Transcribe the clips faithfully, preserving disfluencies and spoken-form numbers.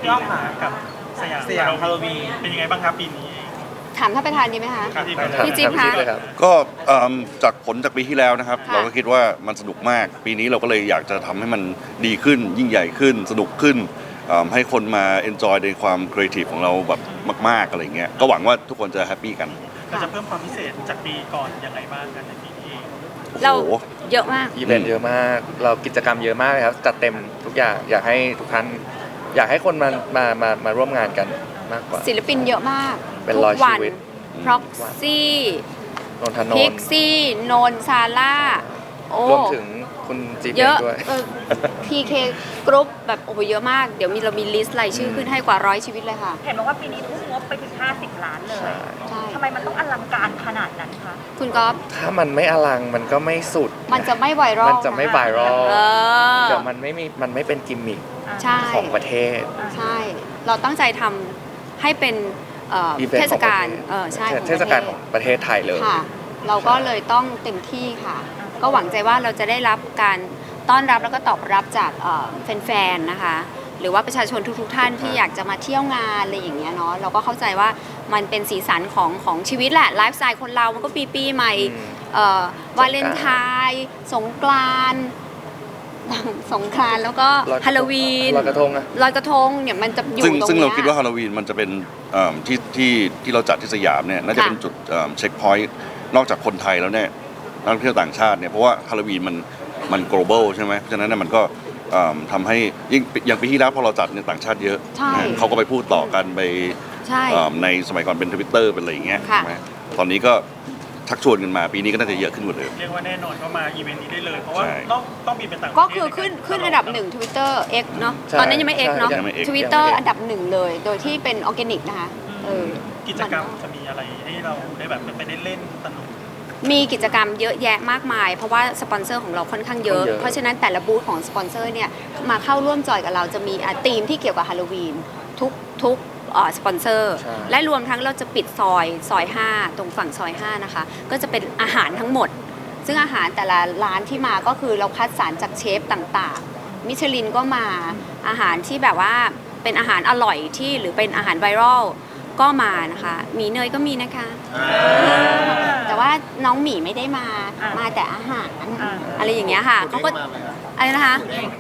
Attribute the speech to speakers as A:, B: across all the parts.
A: ก้าวขากับสยามสยามฮาโลวีนเป็นยังไงบ้างครับปีนี้
B: ถามท่านประธานดีไหมคะพี่จิ๊บคะ
C: ก็จากผลจากปีที่แล้วนะครับเราก็คิดว่ามันสนุกมากปีนี้เราก็เลยอยากจะทำให้มันดีขึ้นยิ่งใหญ่ขึ้นสนุกขึ้นให้คนมาเอนจอยในความครีเอทีฟของเราแบบมากๆอะไรเงี้ยก็หวังว่าทุกคนจะแฮปปี้กัน
A: เราจะเพิ่มความพิเศษจากปีก่อนยังไงบ้างกันในปีนี้
B: เราเยอะมาก
D: อีเวนต์เยอะมากเรากิจกรรมเยอะมากครับจัดเต็มทุกอย่างอยากให้ทุกท่านอยากให้คนมามามามาร่วมงานกันมากกว่า
B: ศิลปินเยอะมาก
D: เป็นร้อยชีวิต
B: พ็อกซี่
D: นนทนนท์
B: พิกซี่นนซาร่าร
D: วมถึงคุณจีเ
B: ยอะ
D: ด้วย
B: พีเคกรุ๊ปแบบโอ้โหเยอะมากเดี๋ยวมีเรามีลิสต์รายชื่อขึ้นให้กว่าร้อยชีวิตเลยค่ะ
E: เห็นบอกว่าปีนี้ทุ่มงบไปถึงห้าสิบล้านเลยทำไมมันต้องอลังการขนาดนั้นคะ
B: คุณก๊อฟ
D: ถ้ามันไม่อลังมันก็ไม่สุด
B: มันจะไม่ไวรัล
D: มันจะไม่ไวรัลเดี๋ยวมันไม่มีมันไม่เป็นกิมมิคของประเทศ
B: ใช่เราตั้งใจทำให้เป็นเทศกาลใช่
D: เทศกาลของประเทศไทยเลย
B: ค่ะเราก็เลยต้องเต็มที่ค่ะก็หวังใจว่าเราจะได้รับการต้อนรับแล้วก็ตอบรับจากแฟนๆนะคะหรือว่าประชาชนทุกๆท่านที่อยากจะมาเที่ยวงานอะไรอย่างเงี้ยเนาะเราก็เข้าใจว่ามันเป็นสีสันของของชีวิตแหละไลฟ์สไตล์คนเรามันก็ปีปีใหม่วาเลนไทน์สงกรานต์สงกรานต์แล้วก็ฮาโลวีน
D: ลอยกระทงอะ
B: ลอยกระทงเนี่ยมันจะอยู่ตรงนี้
C: ซึ่งเราคิดว่าฮาโลวีนมันจะเป็นที่ที่ที่เราจัดที่สยามเนี่ยน่าจะเป็นจุดเช็คพอยต์นอกจากคนไทยแล้วเนี่ยนักท่องเที่ยวต่างชาติเนี่ยเพราะว่าฮาโลวีนมันมัน global ใช่ไหมเพราะฉะนั้นเนี่ยมันก็ทำให้ยิ่งอย่างปีที่แล้วพอเราจัดเนี่ยต่างชาติเยอะเขาก็ไปพูดต่อกันไปในสมัยก่อนเป็นทวิตเตอร์เป็นอะไรอย่างเงี้ยตอนนี้ก็ชักชวนกันมาปีนี้ก็น่าจะเยอะขึ้นกว่าเดิม
A: เรียกว่าแน่นอนก็มาอีเวนต์นี้ได้เลยเพราะว่าต้องต้องมีเป็นต่าง
B: ก็คือขึ้นขึ้นอันดับหนึ่ง Twitter X เนาะตอนนั้นยังไม่ X เนาะ Twitter อันดับหนึ่งเลยโดยที่เป็นออร์แกนิกนะคะ
A: กิจกรรมจะมีอะไรให้เราได้แบบไปได้เล่นสนุก
B: มีกิจกรรมเยอะแยะมากมายเพราะว่าสปอนเซอร์ของเราค่อนข้างเยอะเพราะฉะนั้นแต่ละบูธของสปอนเซอร์เนี่ยมาเข้าร่วมจอยกับเราจะมีธีมที่เกี่ยวกับฮาโลวีนทุกทุกสปอนเซอร์และรวมทั้งเราจะปิดซอยซอยห้าตรงฝั่งซอยห้านะคะก็จะเป็นอาหารทั้งหมดซึ่งอาหารแต่ละร้านที่มาก็คือเราคัดสรรจากเชฟต่างๆมิชลินก็มาอาหารที่แบบว่าเป็นอาหารอร่อยที่หรือเป็นอาหารไวรัลก็มานะคะหมีเนยก็มีนะคะแต่ว่าน้องหมีไม่ได้มามาแต่อาหารอะไรอย่างเงี้ยค่ะเขาก็อะไรนะคะ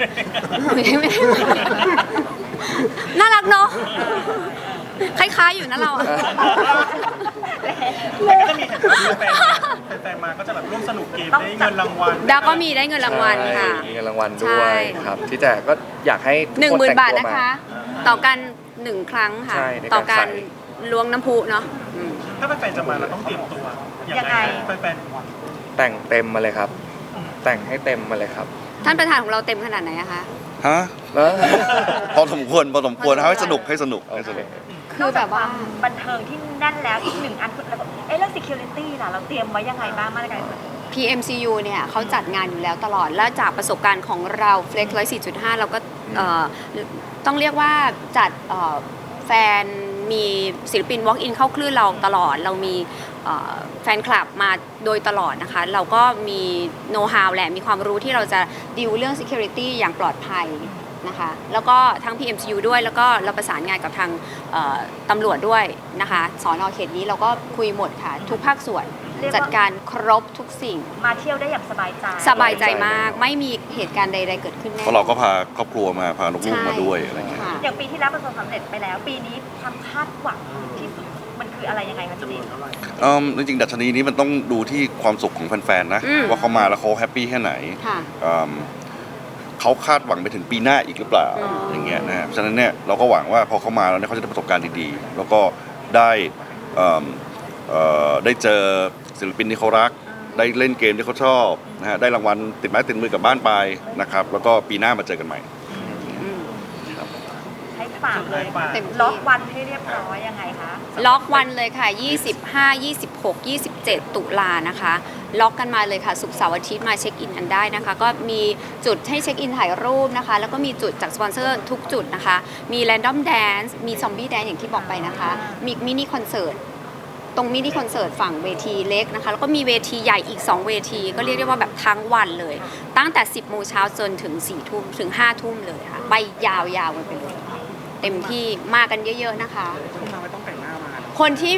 B: น่ารักเนาะคล้ายๆอยู่นะเรา
A: แต่ก็จะมีแฟนมาก็จะแบบร่วมสนุกเกมได้เงินรางวัล
B: ดาก็มีได้เงินรางวัลค่ะ
D: มีเงินรางวัลด้วยครับที่แต่ก็อยากให้
B: หนึ่งหมื่นบาทนะคะต่อกันหนึ่งครั้งค่ะต่อการล้วงน้ำพุเนาะ
A: ถ้าแฟนจะมาเราต้องเตรียมตัวยังไงแฟน
D: แต่งเต็มมาเลยครับแต่งให้เต็มมาเลยครับ
B: ท่านประธานของเราเต็มขนาดไหนอะคะ
C: ฮะพอสมควรพอสมควรให้สนุกให้สนุกให้สนุก
E: คือแบบว่าบันเทิงที่แน่นแล้วอีกหนึ่งอันแล้วเอ๊ะเรื่อง security ล่ะเราเตรียมไว้ยังไงบ้างมาตรการ
B: พี เอ็ม ซี ยู เนี่ยเขาจัดงานอยู่แล้วตลอดและจากประสบการณ์ของเรา Flex หนึ่งร้อยสี่จุดห้าเราก็ต้องเรียกว่าจัดแฟนมีศิลปิน walk in เข้าคลื่นเราตลอดเรามีแฟนคลับมาโดยตลอดนะคะเราก็มีโน้ตฮาวแหละมีความรู้ที่เราจะดีลเรื่อง security อย่างปลอดภัยนะคะแล้วก็ทั้ง พี เอ็ม ซี ยู ด้วยแล้วก็เราประสานงานกับทางตำรวจด้วยนะคะสน.เขตนี้เราก็คุยหมดค่ะทุกภาคส่วนจัดการครบทุกสิ่ง
E: มาเที่ยวได้อย่างสบายใจ
B: สบายใจมากไม่มีเหตุการณ์ใดๆเกิดขึ้นแน่
C: เพราะเราก็พาครอบครัวมาพาลูกๆมาด้วยอะไรเงี้ย
E: อย่างปีที่แล้วประสบความสำเร็จไปแล้วปีนี้ความคาดหวังที่สุดมันคืออะไรยังไงคะจี
C: นจริงๆดัชนีนี้มันต้องดูที่ความสุขของแฟนๆนะว่าเขามาแล้วเขาแฮปปี้แค่ไหนเขาคาดหวังไปถึงปีหน้าอีกหรือเปล่าอย่างเงี้ยนะฉะนั้นเนี่ยเราก็หวังว่าพอเขามาแล้วเนี่ยเขาจะได้ประสบการณ์ดีๆแล้วก็ได้ได้เจอศิลปินที่เขารักได้เล่นเกมที่เขาชอบนะฮะได้รางวัลติดไม้ติดมือกลับบ้านไปนะครับแล้วก็ปีหน้ามาเจอกันใหม่
E: ให้ฝากเลยล็อกวันให้เรียบร้อยยังไงคะ
B: ล็อกวันเลยค่ะยี่สิบห้า ยี่สิบหก ยี่สิบเจ็ดตุลานะคะล็อกกันมาเลยค่ะศุกร์เสาร์อาทิตย์มาเช็คอินกันได้นะคะก็มีจุดให้เช็คอินถ่ายรูปนะคะแล้วก็มีจุดจากสปอนเซอร์ทุกจุดนะคะมีแรนดอมแดนซ์มีซอมบี้แดนซ์อย่างที่บอกไปนะคะมีมินิคอนเสิร์ตตรงมินิคอนเสิร์ตฝั่งเวทีเล็กนะคะแล้วก็มีเวทีใหญ่อีกสองเวทีก็เรียกได้ว่าแบบทั้งวันเลยตั้งแต่สิบโมงเช้าจนถึงสี่ทุ่มถึงห้าทุ่มเลยค่ะไปยาวๆกันไปเลยเต็มที่มากันเยอะๆนะคะ
A: ต้องมาไม่ต้องแต่งหน้ามา
B: คนที่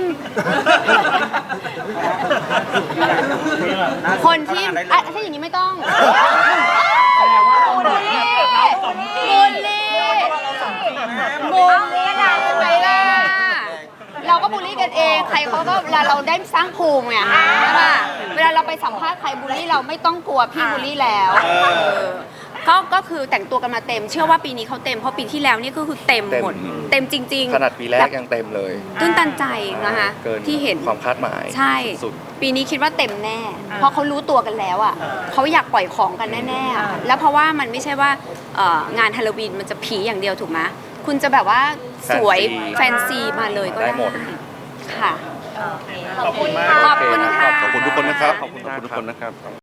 B: คนที่อ่ะถ้าอย่างนี้ไม่ต้องบูลลี่บูลลี่บูลลี่ทำไมล่ะเราก็บูลลี่กันเองใครเขาก็เวลาเราได้สร้างภูมิไงใช่ป่ะเวลาเราไปสัมภาษณ์ใครบูลลี่เราไม่ต้องกลัวพี่บูลลี่แล้วเออก็ก็คือแต่งตัวกันมาเต็มเชื่อว่าปีนี้เขาเต็มเพราะปีที่แล้วนี่ก็คือเต็มหมด
D: เต็ม
B: เต็มจริงๆ
D: ขนาดปีแรกยังเต็มเลย
B: ตื้นตันใจนะคะ
D: เกิน
B: ที่เห็น
D: ความคาดหมาย
B: ใช่
D: สุด
B: ปีนี้คิดว่าเต็มแน่ เพราะเขารู้ตัวกันแล้วอ่ะเขาอยากปล่อยของกันแน่ๆอะแล้วเพราะว่ามันไม่ใช่ว่าเอ่องานฮาโลวีนมันจะผีอย่างเดียวถูกไหมคุณจะแบบว่าสวยแฟนซีมาเลยก็
D: ได้
B: ได้
D: หมด
B: ค่ะ
E: โอเค
A: ขอบคุณมาก
B: ขอบคุณค่ะ
C: ขอบคุณทุกคนนะครับ
D: ขอบคุณมาก
C: ทุกคนนะครับ